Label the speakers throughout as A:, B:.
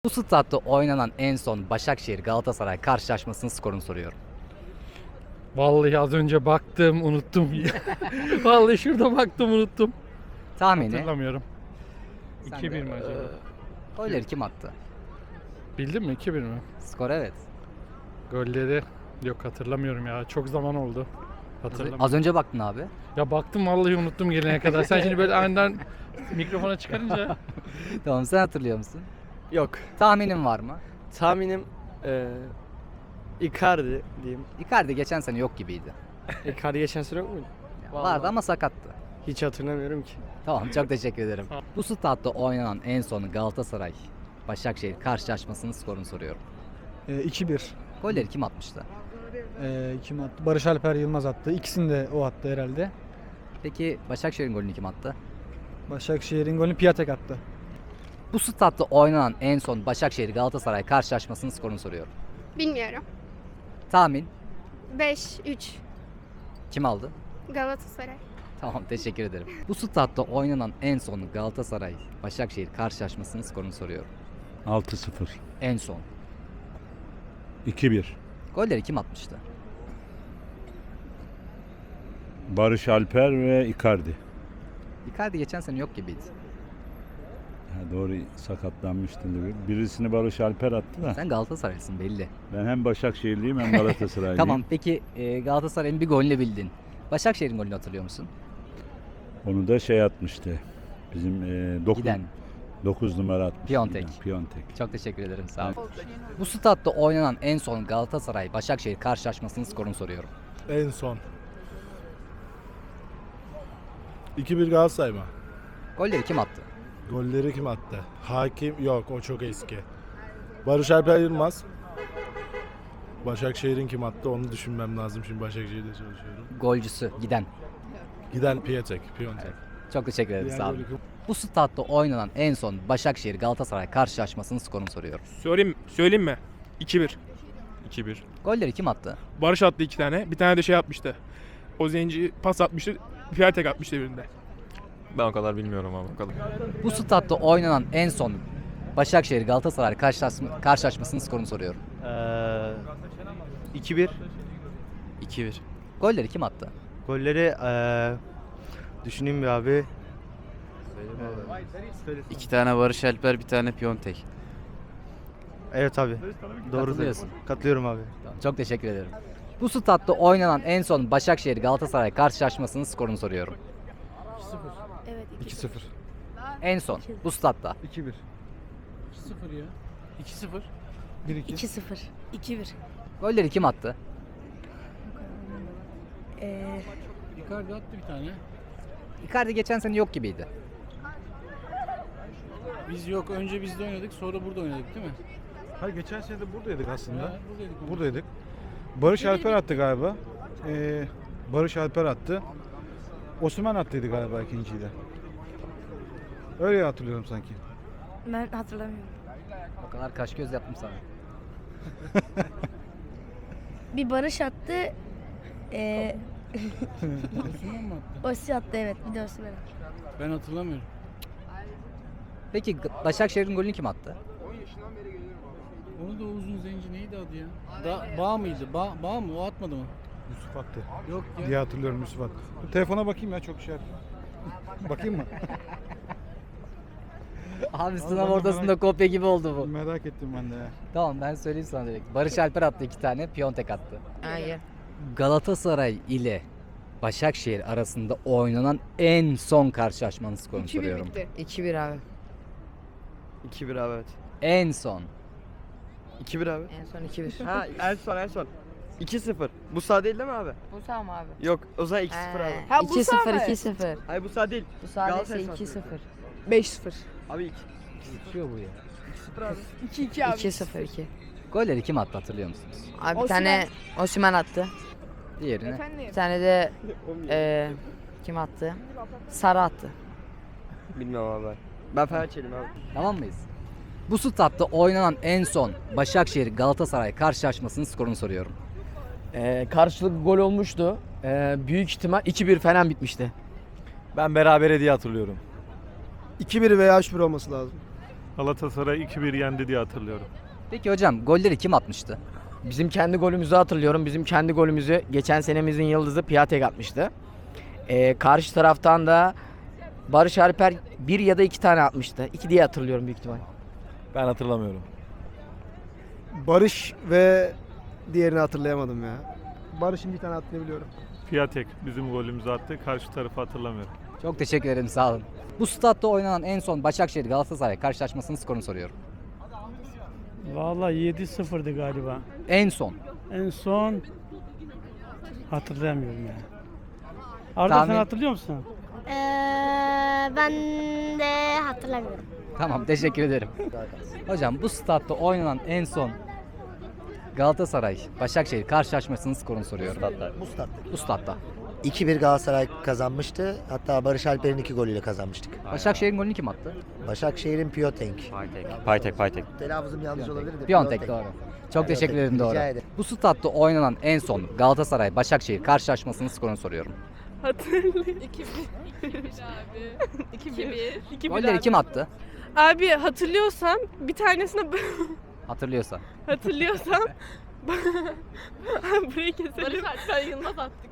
A: Bu statta oynanan en son Başakşehir Galatasaray karşılaşmasının skorunu soruyorum.
B: Vallahi az önce baktım unuttum. Vallahi şurada baktım unuttum.
A: Tahmini.
B: Hatırlamıyorum.
A: Sen
B: 2-1
A: de-
B: mi acaba?
A: Golleri kim attı?
B: Bildin mi? 2-1 mi?
A: Skor evet.
B: Golleri yok hatırlamıyorum ya. Çok zaman oldu. Hatırlamıyorum.
A: Az önce baktın abi.
B: Ya baktım vallahi unuttum gelene kadar. Sen şimdi böyle aniden mikrofona çıkarınca
A: Tamam, sen hatırlıyor musun?
C: Yok.
A: Tahminin var mı?
C: Tahminim Icardi diyeyim.
A: Icardi geçen sene yok gibiydi.
C: Icardi geçen sene yok muydu? Vallahi.
A: Vardı ama sakattı.
C: Hiç hatırlamıyorum ki.
A: Tamam, çok teşekkür ederim. Bu statta oynanan en son Galatasaray Başakşehir karşılaşmasının skorunu soruyorum.
D: 2-1.
A: Golleri kim atmıştı?
D: Kim attı? Barış Alper Yılmaz attı. İkisini de o attı herhalde.
A: Peki Başakşehir'in golünü kim attı?
D: Başakşehir'in golünü Piatek attı.
A: Bu statta oynanan en son Başakşehir Galatasaray karşılaşmasının skorunu soruyorum.
E: Bilmiyorum.
A: Tahmin
E: 5-3
A: kim aldı?
E: Galatasaray.
A: Tamam, teşekkür ederim. Bu statta oynanan en son Galatasaray Başakşehir karşılaşmasının skorunu soruyorum.
F: 6-0.
A: En son.
F: 2-1.
A: Golleri kim atmıştı?
F: Barış Alper ve Icardi.
A: Icardi geçen sene yok gibiydi.
F: Ha, doğru, sakatlanmıştı. Birisini Barış Alper attı da.
A: Sen Galatasaraylısın belli.
F: Ben hem Başakşehirliyim hem Galatasaraylıyım.
A: Tamam, peki Galatasaray'ın bir golünü bildin. Başakşehir'in golünü hatırlıyor musun?
F: Onu da şey atmıştı. Bizim
A: Giden.
F: 9 numara atmıştı.
A: Piontek.
F: Giden, Piontek.
A: Çok teşekkür ederim, sağ ol. Bu statta oynanan en son Galatasaray Başakşehir karşılaşmasının skorunu soruyorum.
G: En son. 2-1 Galatasaray mı?
A: Golleri kim attı?
G: Golleri kim attı? Hakim yok, o çok eski. Barış Alper Yılmaz. Başakşehir'in kim attı onu düşünmem lazım, şimdi Başakşehir'de çalışıyorum.
A: Golcüsü giden.
G: Giden Piontek.
A: Çok teşekkür ederim,
G: Diğer
A: sağ olun.
G: golü kim-
A: Bu statta oynanan en son Başakşehir Galatasaray karşılaşmasının skorunu soruyorum.
H: Söyleyeyim mi? 2-1. 2-1.
A: Golleri kim attı?
H: Barış attı 2 tane. Bir tane de şey atmıştı. O zenci pas atmıştı. Piatek atmıştı birinde.
I: Ben o kadar bilmiyorum ama bakalım.
A: Bu statta oynanan en son Başakşehir Galatasaray karşılaşmasının skorunu soruyorum.
C: 2-1. 2-1.
A: Golleri kim attı?
C: Golleri düşüneyim bir abi.
I: 2 tane Barış Alper, bir tane Piontek.
C: Evet abi. Doğru
A: Katılıyorsun.
C: Katılıyorum abi.
A: Tamam, çok teşekkür ederim. Bu statta oynanan en son Başakşehir Galatasaray karşılaşmasının skorunu soruyorum.
E: Evet
D: 2-0.
A: En son bu statta.
D: 2-1.
B: 2-0 ya. 2-0.
D: 1-2.
E: 2-0. 2-1.
A: Golleri kim attı?
B: Icardi attı bir tane.
A: Icardi geçen sene yok gibiydi.
B: Biz yok önce bizde oynadık sonra burada oynadık değil mi?
D: Hayır, geçen sene de buradaydık aslında.
B: Buradaydık.
D: Buradaydık. Barış Alper attı galiba. Barış Alper attı. Osman attıydı galiba ikinciyi de. Öyle hatırlıyorum sanki.
E: Ben hatırlamıyorum.
A: O kadar kaş göz yaptım sana.
E: Bir Barış attı.
B: Osman mı attı?
E: Osi attı, evet. Bir de Osimhen.
B: Ben hatırlamıyorum.
A: Peki Başakşehir'in golünü kim attı?
B: Onu da uzun zenci neydi adı ya? Bağ mıydı? Bağ mı? O atmadı mı?
D: Yusuf attı
B: Yok ya.
D: diye hatırlıyorum, Yusuf attı. Dur, telefona bakayım ya, çok şey. Bakayım mı?
A: Abi
D: ben
A: sınav
D: de
A: ortasında
D: merak-
A: kopya gibi oldu bu.
D: Merak ettim ben de ya.
A: Tamam, ben söyleyeyim sana direkt. Barış Alper attı 2 tane, Piontek attı.
E: Hayır.
A: Galatasaray ile Başakşehir arasında oynanan en son karşılaşmanın skorunu soruyorum.
E: 2-1 abi.
C: 2-1 abi evet.
A: En son.
C: 2-1 abi.
E: En son 2-1.
C: Ha en son. 2-0. Bu sağ değil mi abi?
E: Bu sağ mı abi?
C: Yok, o zaman 2-0 abi.
E: Ha, 2-0, 2-0.
C: Hayır bu sağ değil.
E: Bu sağ
C: Galatasaray
E: değilse
C: sağ.
E: 2-0. 5-0.
C: Abi
A: Geçiyor bu ya.
C: 2-0 abi.
E: 2-2 abi. 2-0, 2.
A: Golleri kim attı, hatırlıyor musunuz?
J: Abi bir tane Osimhen attı.
A: Diğerini.
J: Bir tane de kim attı? Sara attı.
C: Bilmiyorum abi ben. Ben Fenerbahçeliyim abi.
A: Tamam mıyız? Bu statta oynanan en son Başakşehir Galatasaray karşılaşmasının skorunu soruyorum.
K: Karşılıklı gol olmuştu. Büyük ihtimal 2-1 falan bitmişti.
I: Ben berabere diye hatırlıyorum.
C: 2-1 veya 3-1 olması lazım.
F: Galatasaray 2-1 yendi diye hatırlıyorum.
A: Peki hocam golleri kim atmıştı?
K: Bizim kendi golümüzü hatırlıyorum. Bizim kendi golümüzü geçen senemizin yıldızı Piatek atmıştı. Karşı taraftan da Barış Alper 1 ya da 2 tane atmıştı. 2 diye hatırlıyorum büyük ihtimal.
G: Ben hatırlamıyorum.
C: Barış ve diğerini hatırlayamadım ya. Barış'ın bir tane attığını biliyorum.
F: Piatek bizim golümüzü attı. Karşı tarafı hatırlamıyorum.
A: Çok teşekkür ederim, sağ olun. Bu statta oynanan en son Başakşehir Galatasaray karşılaşmasının skorunu soruyorum.
B: Vallahi 7-0'dı galiba.
A: En son.
B: En son hatırlayamıyorum ya. Arda
A: Tahmin-
B: sen hatırlıyor musun?
L: Ben de hatırlamıyorum.
A: Tamam, teşekkür ederim. Hocam bu statta oynanan en son Galatasaray Başakşehir karşılaşmasının skorunu soruyorum.
C: Bu statta.
A: Bu statta.
C: 2-1 Galatasaray kazanmıştı. Hatta Barış Alper'in 2 golüyle kazanmıştık.
A: Başakşehir'in golünü kim attı?
C: Başakşehir'in Piatek.
I: Paytek.
C: Telaffuzum yanlış olabilir de.
A: Piontek, doğru. Çok teşekkür ederim, doğru.
C: Rica ederim.
A: Bu statta oynanan en son Galatasaray Başakşehir karşılaşmasının skorunu soruyorum.
E: Hatırlıyorum. 2-1 abi. 2-1.
A: Golleri kim attı?
E: Abi hatırlıyorsam bir tanesini
A: Hatırlıyorsa.
E: hatırlıyorsam burayı keselim. Barış Alper Yılmaz attık.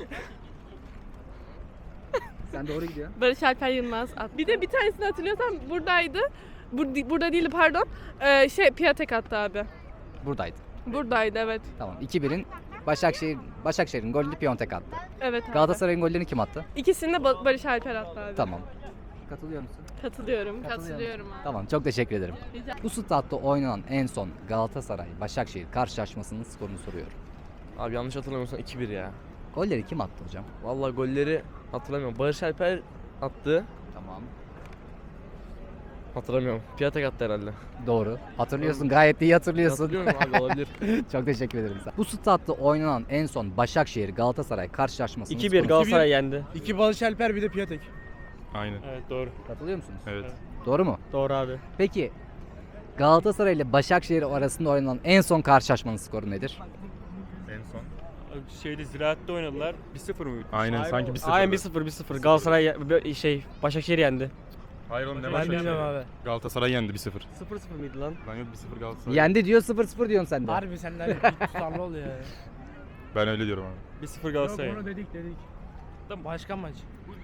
A: Sen doğru gidiyorsun.
E: Barış Alper Yılmaz attı. Bir de bir tanesini hatırlıyorsam buradaydı. Burada değildi pardon. Piatek attı abi.
A: Buradaydı.
E: Buradaydı evet.
A: Tamam. 2-1'in Başakşehir'in golünü Piontek attı.
E: Evet abi.
A: Galatasaray'ın gollerini kim attı?
E: İkisini de Barış Alper attı abi.
A: Tamam. Katılıyor musun?
E: Katılıyorum. Katılıyorum abi.
A: Tamam, çok teşekkür ederim. Bu statta oynanan en son Galatasaray Başakşehir karşılaşmasının skorunu soruyorum.
C: Abi yanlış hatırlamıyorsam 2-1 ya.
A: Golleri kim attı hocam?
C: Vallahi golleri hatırlamıyorum. Barış Alper attı.
A: Tamam.
C: Hatırlamıyorum. Piatek attı herhalde.
A: Doğru. Hatırlıyorsun. Gayet iyi hatırlıyorsun.
C: Hatırlıyorum abi, olabilir.
A: Çok teşekkür ederim. Bu statta oynanan en son Başakşehir Galatasaray karşılaşmasının
C: 2-1
A: skorunu
C: Galatasaray yendi.
B: 2 Barış Alper bir de Piatek.
F: Aynen.
H: Evet doğru.
A: Katılıyor musunuz?
F: Evet.
A: Doğru mu?
C: Doğru abi.
A: Peki Galatasaray ile Başakşehir arasında oynanan en son karşılaşmanın skoru nedir?
F: En son.
H: Şeyde Ziraat'te oynadılar. 1-0 mıydı?
F: Aynen sanki 1-0.
C: Aynen 1-0. Galatasaray Başakşehir yendi.
F: Hayır oğlum ne
B: Ben bilmiyorum abi.
F: Galatasaray yendi 1-0.
C: 0-0 mıydı lan?
F: Lan yok 1-0 Galatasaray.
A: Yendi diyor, 0-0 diyorsun sen de.
B: Harbi senden bir tutarlı oluyor ya.
F: Ben öyle diyorum abi.
H: 1-0
B: Yok
H: Galatasaray.
B: onu dedik. Başka maç.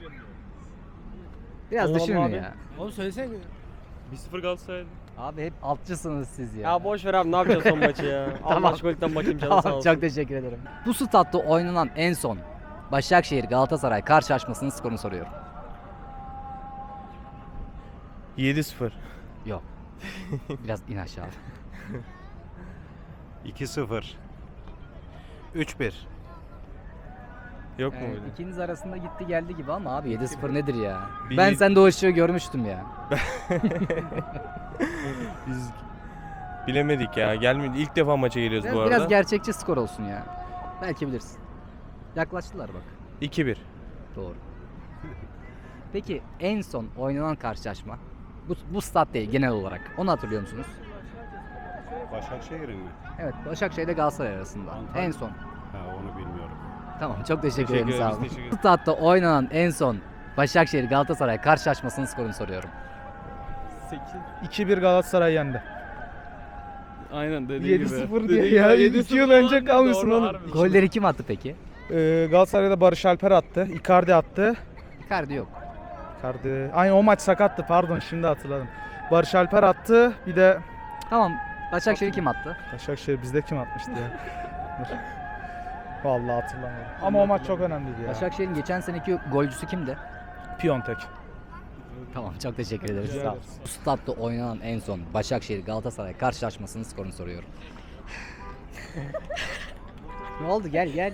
A: Biraz
C: Allah
A: düşünün
C: Allah abi.
A: ya.
B: Oğlum söylesene.
H: 1-0 Galatasaray.
A: Abi hep altçısınız siz ya.
C: Ya boş ver abi, ne yapacağız son maçı ya?
A: Tamam.
C: Allah aşkına bakayım, canı sağ
A: Tamam,
C: olsun.
A: çok teşekkür ederim. Bu statta oynanan en son Başakşehir Galatasaray karşılaşmasının skorunu soruyorum.
G: 7-0.
A: Yok. Biraz in aşağı.
F: 2-0.
G: 3-1.
F: Yok mu
A: Yani
F: öyle?
A: ikiniz arasında gitti geldi gibi ama abi 7-0 nedir ya?
F: Bir-
A: Ben sende o ışığı görmüştüm ya.
G: Biz bilemedik ya. Gelmedi. İlk defa maça geliyoruz
A: Biraz gerçekçi skor olsun ya. Belki bilirsin. Yaklaştılar bak.
G: 2-1.
A: Doğru. Peki en son oynanan karşılaşma bu stat değil genel olarak. Onu hatırlıyor musunuz?
F: Başakşehir'in mi?
A: Evet, Başakşehir ile Galatasaray arasında. En son.
F: Ha onu bilmiyorum.
A: Tamam, çok teşekkür ederim,
G: Teşekkür
A: sağ
G: ederiz,
A: olun.
G: teşekkür
A: Bu statta oynanan en son Başakşehir Galatasaray karşılaşmasının skorunu soruyorum.
D: 2-1 Galatasaray yendi.
B: Aynen dediği gibi.
D: 7-0 diye ya. 2 yıl önce kalmışsın oğlum.
A: Golleri kim attı peki?
D: Galatasaray'da Barış Alper attı. Icardi attı.
A: Icardi yok.
D: Icardi. Aynı o maç sakattı, pardon, şimdi hatırladım. Barış Alper attı. Bir de
A: Tamam, Başakşehir kim attı?
D: Başakşehir bizde kim atmıştı ya? Dur. Vallahi hatırlamıyorum. Ama o maç çok önemliydi ya.
A: Başakşehir'in geçen seneki golcüsü kimdi?
D: Piontek.
A: Tamam, çok teşekkür ederiz.
D: Rica
A: Sağ ol.
D: ederiz.
A: Bu statta oynanan en son Başakşehir Galatasaray karşılaşmasının skorunu soruyorum. Ne oldu? Gel.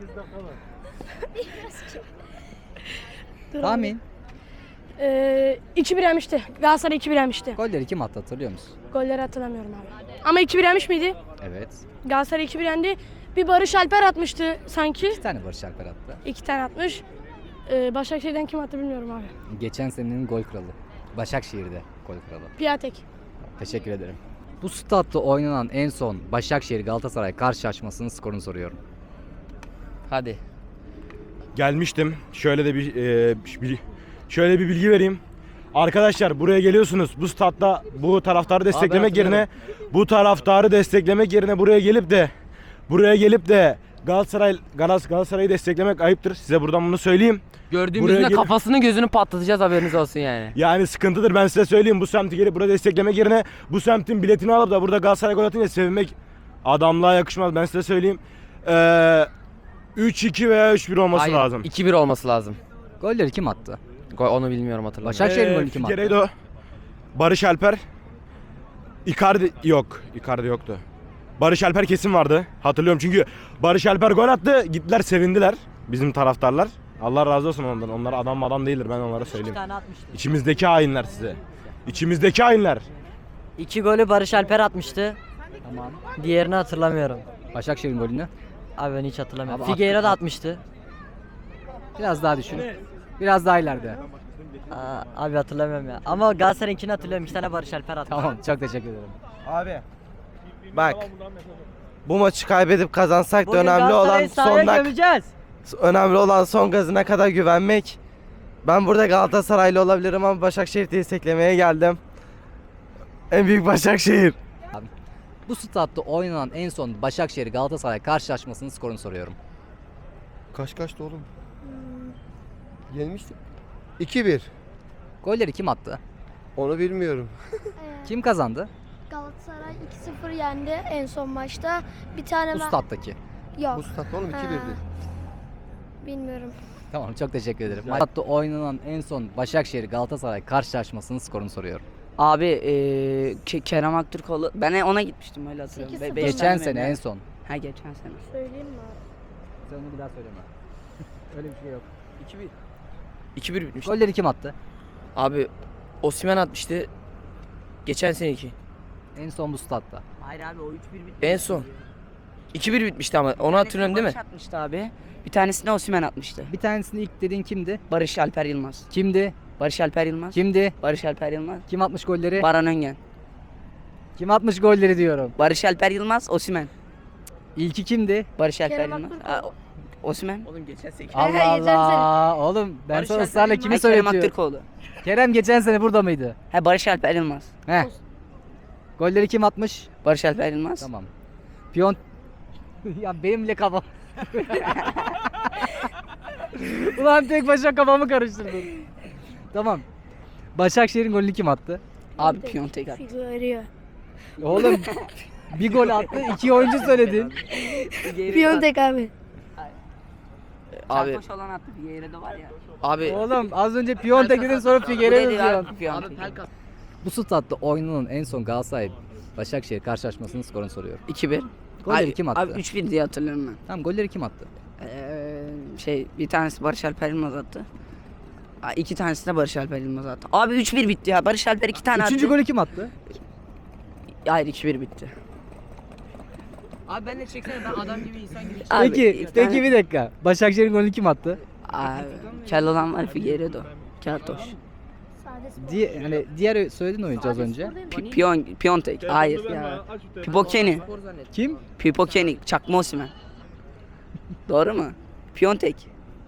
A: Tahmin.
L: 2-1 yenmişti. Galatasaray 2-1 yenmişti.
A: Golleri kim attı, hatırlıyor musun?
L: Golleri hatırlamıyorum abi. Ama 2-1 yenmiş miydi?
A: Evet.
L: Galatasaray 2-1 yendi. Bir Barış Alper atmıştı sanki.
A: 2 tane Barış Alper attı.
L: 2 tane atmış. Başakşehir'den kim attı bilmiyorum abi.
A: Geçen senenin gol kralı. Başakşehir'de gol kralı.
L: Piatek.
A: Teşekkür ederim. Bu statta oynanan en son Başakşehir Galatasaray karşılaşmasının skorunu soruyorum.
C: Hadi.
G: Gelmiştim. Şöyle bir bilgi vereyim. Arkadaşlar buraya geliyorsunuz. Bu statta bu taraftarı desteklemek yerine buraya gelip de Galatasaray'ı desteklemek ayıptır. Size buradan bunu söyleyeyim.
K: Gördüğümüzde kafasını gözünü patlatacağız, haberiniz olsun yani.
G: Yani sıkıntıdır, ben size söyleyeyim. Bu semti gelip burada desteklemek yerine bu semtin biletini alıp da burada Galatasaray gol atınca sevinmek adamlığa yakışmaz, ben size söyleyeyim. 3-2 veya 3-1 olması lazım.
K: 2-1 olması lazım.
A: Golleri kim attı?
K: Onu bilmiyorum, hatırlamıyorum.
A: Başakşehir'in golünü kim attı?
G: Figueiredo, Barış Alper, Icardi yoktu. Barış Alper kesin vardı. Hatırlıyorum çünkü Barış Alper gol attı. Gittiler sevindiler bizim taraftarlar. Allah razı olsun ondan. Onlar adam değildir, ben onlara söyleyeyim. İçimizdeki hainler size. İçimizdeki hainler.
J: 2 golü Barış Alper atmıştı.
A: Tamam.
J: Diğerini hatırlamıyorum.
A: Başakşehir'in golünü.
J: Abi ben hiç hatırlamıyorum.
A: Abi
J: Figueiredo da atmıştı.
A: Biraz daha düşün. Biraz daha ileride.
J: Abi hatırlamıyorum ya. Ama Galatasaray'ınkini hatırlıyorum. 2 tane Barış Alper attı.
A: Tamam, çok teşekkür ederim.
M: Abi bak, bu maçı kaybedip kazansak da önemli olan son gazına kadar güvenmek. Ben burada Galatasaraylı olabilirim ama Başakşehir'i desteklemeye geldim. En büyük Başakşehir.
A: Bu statta oynanan en son Başakşehir Galatasaray karşılaşmasının skorunu soruyorum.
M: Kaçtı oğlum? Yenmiştik. 2-1.
A: Golleri kim attı?
M: Onu bilmiyorum.
A: Kim kazandı?
L: Galatasaray 2-0 yendi en son maçta. Bir tane
A: Bu stattaki.
L: Yok.
M: Bu stat oğlum 2-1'di.
L: Bilmiyorum.
A: Tamam, çok teşekkür ederim. Statta oynanan en son Başakşehir Galatasaray karşılaşmasının skorunu soruyorum.
J: Abi Kerem Aktürkoğlu. Ben ona gitmiştim, öyle hatırlıyorum.
L: 8-0.
A: Geçen sene en son.
J: Ha, geçen sene.
L: Söyleyeyim mi abi?
A: Sen onu bir daha söyleme. Öyle bir şey yok.
K: 2-1 bitmiş.
A: Golleri kim attı?
K: Abi Osimhen atmıştı. Geçen seneki.
A: En son bu statta.
J: Hayır abi, o 3-1 bitti.
K: En son. 2-1 bitmişti ama onu hatırlıyorum değil mi?
J: Barış atmıştı abi. Bir tanesini Osimhen atmıştı.
A: Bir tanesini ilk dediğin kimdi?
J: Barış Alper Yılmaz.
A: Kimdi?
J: Barış Alper Yılmaz.
A: Kimdi?
J: Barış Alper Yılmaz.
A: Kim atmış golleri?
J: Baran Öngen.
A: Kim atmış golleri diyorum.
J: Barış Alper Yılmaz, Osimhen.
A: İlki kimdi?
J: Barış Alper
L: Kerem
J: Yılmaz.
L: Aktürkoğlu.
J: Osimhen.
K: Oğlum geçen seneki.
A: Allah
L: geçen sene.
A: Allah. Oğlum ben
J: Barış
A: sana
J: Alper
A: ısrarla
J: Yılmaz.
A: kimi
J: Kerem
A: söyletiyorum?
J: Aktürkoğlu.
A: Kerem geçen sene burada mıydı?
J: He, Barış Alper Yılmaz.
A: Heh. Golleri kim atmış?
J: Barış Alper Yılmaz.
A: Tamam. Piyon... ya benim bile kafam... Ulan tek başına kafamı karıştırdın. Tamam. Başakşehir'in golünü kim attı?
J: Abi Piontek attı.
L: Figueiredo.
A: Oğlum bir gol attı, 2 oyuncu söyledin.
L: Piontek abi.
K: Abi
J: Sarkoş olan attı. Figueiredo var ya.
K: abi
A: Oğlum az önce Piontek dedin, sonra Figueiredo diyorsun.
J: Piontek.
A: Bu statta oynanan en son Galatasaray Başakşehir karşılaşmasının skorunu soruyorum.
J: 2-1.
A: Golleri kim attı?
J: Abi 3-1 diye hatırlıyorum ben.
A: Tamam, golleri kim attı?
J: Bir tanesi Barış Alper Yılmaz attı. 2 tanesi de Barış Alper Yılmaz attı. Abi 3-1 bitti ya. Barış Alper 2 tane attı.
A: Üçüncü golü kim attı?
J: Hayır, 2-1 bitti.
K: Abi ben de çeksene, ben adam gibi insan gibi.
J: Abi,
A: Peki bir dakika. Başakşehir'in golünü kim attı?
J: Abi, kel olan var, Figueiredo. Keltoş.
A: Hani diğer söylediğin oyuncu az önce.
J: Piontek. Hayır ya. Pipokeni.
A: Kim?
J: Pipokeni. Çakma Osimhen. Doğru mu? Piontek.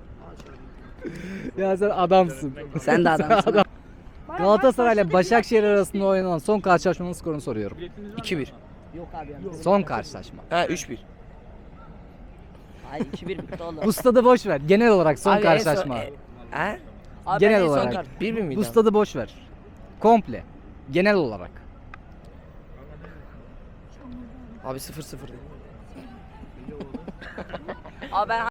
A: Ya sen adamsın.
J: Sen de adamsın.
A: Galatasaray ile Başakşehir arasında oynanan son karşılaşmanın skorunu soruyorum.
K: 2-1.
A: Son karşılaşma.
K: Ha 3-1.
J: Hayır, 2-1 bitti oğlum.
A: Bu stadı boş ver. Genel olarak son
J: Abi, en
A: karşılaşma.
K: Ha?
J: Abi,
A: genel
J: ben en son
A: olarak.
J: kart-
K: 1-1 miydi?
A: Bu stadı boş ver. Komple. Genel olarak.
K: Abi 0-0.
J: Abi ben